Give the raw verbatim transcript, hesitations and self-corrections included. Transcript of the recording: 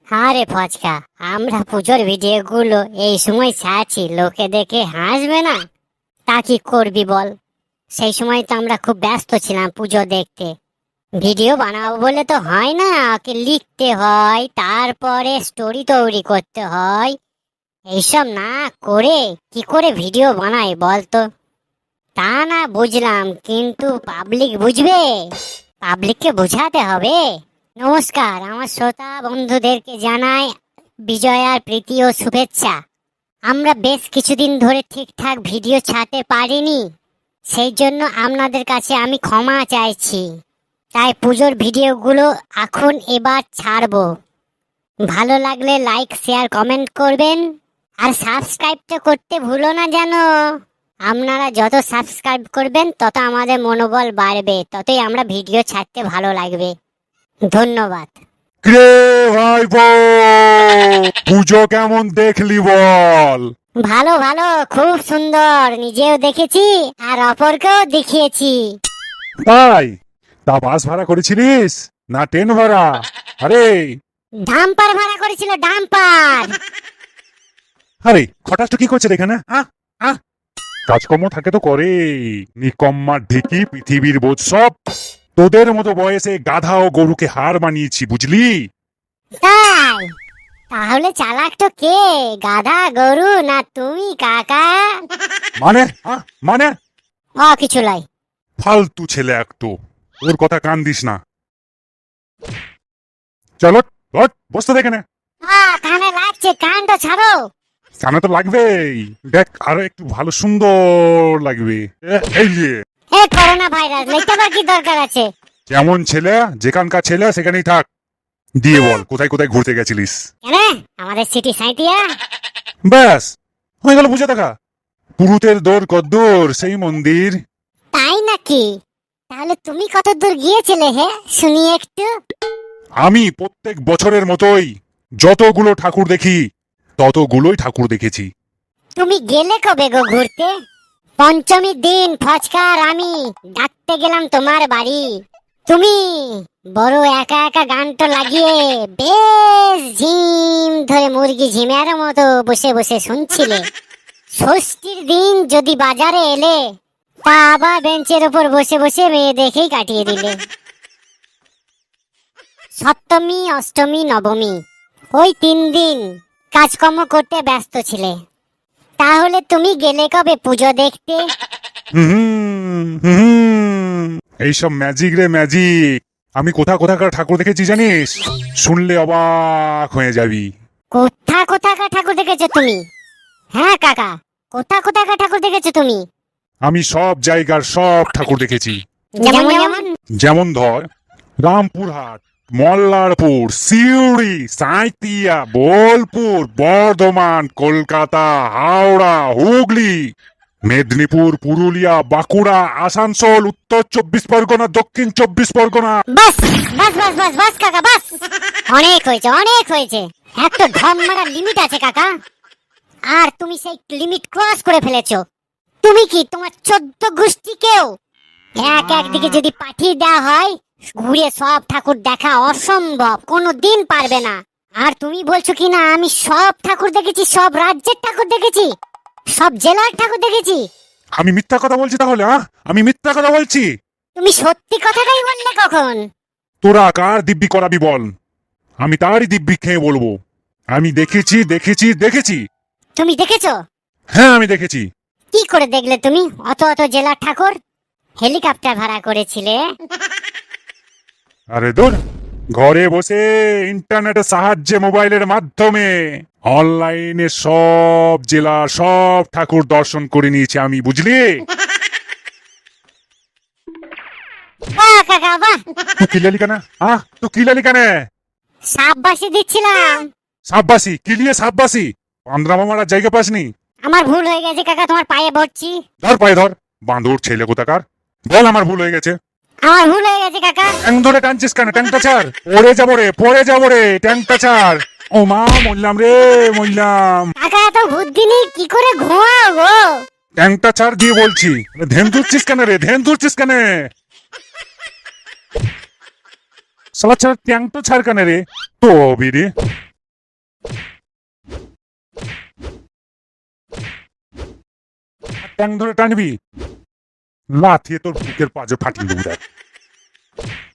আরে ফচকা, আমরা পুজোর ভিডিও গুলো এই সময় ছাড়ছি, লোকে দেখে হাসবে না? তা কি করবি বল? সেই সময় তো আমরা খুব ব্যস্ত ছিলাম পুজো দেখতে। ভিডিও বানাবো বলে তো হয় না, ওকে লিখতে হয়, তারপরে স্টোরি তৈরি করতে হয়। এইসব না করে কি করে ভিডিও বানাই বলতো? তা না বুঝলাম, কিন্তু পাবলিক বুঝবে, পাবলিককে বোঝাতে হবে। নমস্কার, আমার শ্রোতা বন্ধুদেরকে জানাই বিজয়ার প্রীতি ও শুভেচ্ছা। আমরা বেশ কিছুদিন ধরে ঠিকঠাক ভিডিও ছাড়তে পারিনি, সেই জন্য আপনাদের কাছে আমি ক্ষমা চাইছি। তাই পুজোর ভিডিওগুলো এখন এবার ছাড়বো। ভালো লাগলে লাইক শেয়ার কমেন্ট করবেন, আর সাবস্ক্রাইবটা করতে ভুলো না যেন। আপনারা যত সাবস্ক্রাইব করবেন তত আমাদের মনোবল বাড়বে, ততই আমরা ভিডিও ছাড়তে ভালো লাগবে। ধন্যবাদ। কে ভাইপো, পুজো কেমন দেখলি বল? ভালো ভালো, খুব সুন্দর, নিজেও দেখেছি আর অপরকেও দেখিয়েছি। তাই? তা বাস ভাড়া করেছিলিস না ট্রেন ভাড়া? আরে ডাম্পার ভাড়া করেছিল, ডাম্পার। আরে খটাসটা কি করছে এখানে? হ্যাঁ হ্যাঁ, কাজকর্ম থাকে তো করে, নিকম্মার ঢেকি পৃথিবীর বোধ সব। তোদের মতো বয়সে গাধা ও গরুকে হার বানিয়েছি, বুঝলি? তাই? তাহলে চালাক তো কে, গাধা গরু না তুমি কাকা? মানে হ্যাঁ, মানে ও কিছু লাই। ফালতু ছেলে একটু, ওর কথা কান দিস না। চলো হট, বসতে দেখে না। আহ, কানে লাগছে, কানটা ছাড়ো। কানে তো লাগবেই, দেখ আরো একটু ভালো সুন্দর লাগবে। এ- এই যে এ করোনা ভাইরাস, লিখতে আবার কি দরকার আছে? কেমন ছেলে, যেখানকার ছেলে সেখানেই থাক। দিয়ে বল কোথায় কোথায় ঘুরতে গেছিলিস? কেন? আমাদের সিটি সাঁইতিয়া। ব্যাস হয়ে গেল বুঝে দেখা। পুরুতের দৌড় কদ্দূর সেই মন্দির। তাই নাকি? তাহলে তুমি কত দূর গিয়েছিলে হে, শুনি একটু। আমি প্রত্যেক বছরের মতোই যতগুলো ঠাকুর দেখি ততগুলোই ঠাকুর দেখেছি। তুমি গেলে কবে গো ঘুরতে? পঞ্চমীর দিন ফচকার আমি ডাকতে গেলাম তোমার বাড়ি। তুমি বড় একা একা গানটা লাগিয়ে বেশ ঝিম ধরে মুরগি ঝিমের মতো বসে বসে শুনছিলে। ষষ্ঠীর দিন যদি বাজারে এলে, তা আবার বেঞ্চের উপর বসে বসে মেয়ে দেখেই কাটিয়ে দিলে। সপ্তমী অষ্টমী নবমী ওই তিন দিন কাজকর্ম করতে ব্যস্ত ছিলে। তাহলে তুমি গেলে কবে পুজো দেখতে? হুম হুম, এইসব ম্যাজিক রে ম্যাজিক। আমি কোথা কোথাকার ঠাকুর দেখেছি জানিস? শুনলে অবাক হয়ে যাবি। কোথা কোথাকার ঠাকুর দেখেছো তুমি? হ্যাঁ কাকা, কোথা কোথাকার ঠাকুর দেখেছো তুমি? আমি সব জায়গার সব ঠাকুর দেখেছি। যেমন যেমন? যেমন ধর, রামপুরহাট, মল্লারপুর, সিউড়ি, সাঁইতিয়া, বোলপুর, বর্ধমান, কলকাতা, হাওড়া, হুগলি, মেদিনীপুর, পুরুলিয়া, বাঁকুড়া, আসানসোল, উত্তর চব্বিশ পরগনা, দক্ষিণ চব্বিশ পরগনা। বাস বাস বাস বাস বাস কাকা, বাস। অনেক হয়েছে, অনেক হয়েছে। একটা ঢম মারার লিমিট আছে কাকা, আর তুমি সেই লিমিট ক্রস করে ফেলেছো। তুমি কি তোমার চোদ্দ গোষ্ঠীকেও এক একদিকে যদি পাঠিয়ে দেওয়া হয়, ঘুরে সব ঠাকুর দেখা অসম্ভব, কোনো দিন পারবে না। আর তুমি বলছো কি না আমি সব ঠাকুর দেখেছি, সব রাজ্যের ঠাকুর দেখেছি, সব জেলার ঠাকুর দেখেছি। আমি মিথ্যা কথা বলছি তাহলে? হ্যাঁ, আমি মিথ্যা কথা বলছি? তুমি সত্যি কথাটাই বললে কখন? তোরা কার দিব্যি করাবি বল, আমি তারই দিব্যি খেয়ে বলবো আমি দেখেছি দেখেছি দেখেছি। তুমি দেখেছো? হ্যাঁ আমি দেখেছি। কি করে দেখলে তুমি অত অত জেলার ঠাকুর? হেলিকপ্টার ভাড়া করেছিলে? আরে দূর, ঘরে বসে ইন্টারনেটের সাহায্যে মোবাইলের মাধ্যমে অনলাইনে সব জেলার সব ঠাকুর দর্শন করে নিয়েছি আমি, বুঝলি? বাহ কাকা বাহ। তুই কিলালি কেন? আহ তুই কিলালি কেন? সাববাসি দিচ্ছিলাম। সাববাসি কিলিয়ে সাববাসি পান্দ্রামা মারার জায়গা পাসনি? আমার ভুল হয়ে গেছে কাকা, তোমার পায়ে পড়ছি। ধর পায়ে ধর, বাঁদর ছেলে কোথাকার। বল আমার ভুল হয়ে গেছে। আমার ভুল হয়ে গেছে কাকা। ট্যাং ধরে টানছিস কেন? ট্যাংটা ছাড়, পড়ে যাবো রে, পড়ে যাবো রে, ট্যাংটা ছাড়। ও মা, মরলাম রে, মরলাম। কাকা এত বুদ্ধি নেই, কি করে ঘুমাও গো? ট্যাংটা ছাড় দিয়ে বলছি। ধ্যান ধরছিস কেন রে, ধ্যান ধরছিস কেন? সালা ছাড়, ট্যাংটা ছাড় কেন রে? তো রে ট্যাং ধরে টানবি, লাথিয়ে তোর বুকের পাজে ফাটিয়ে দেবো দেখ।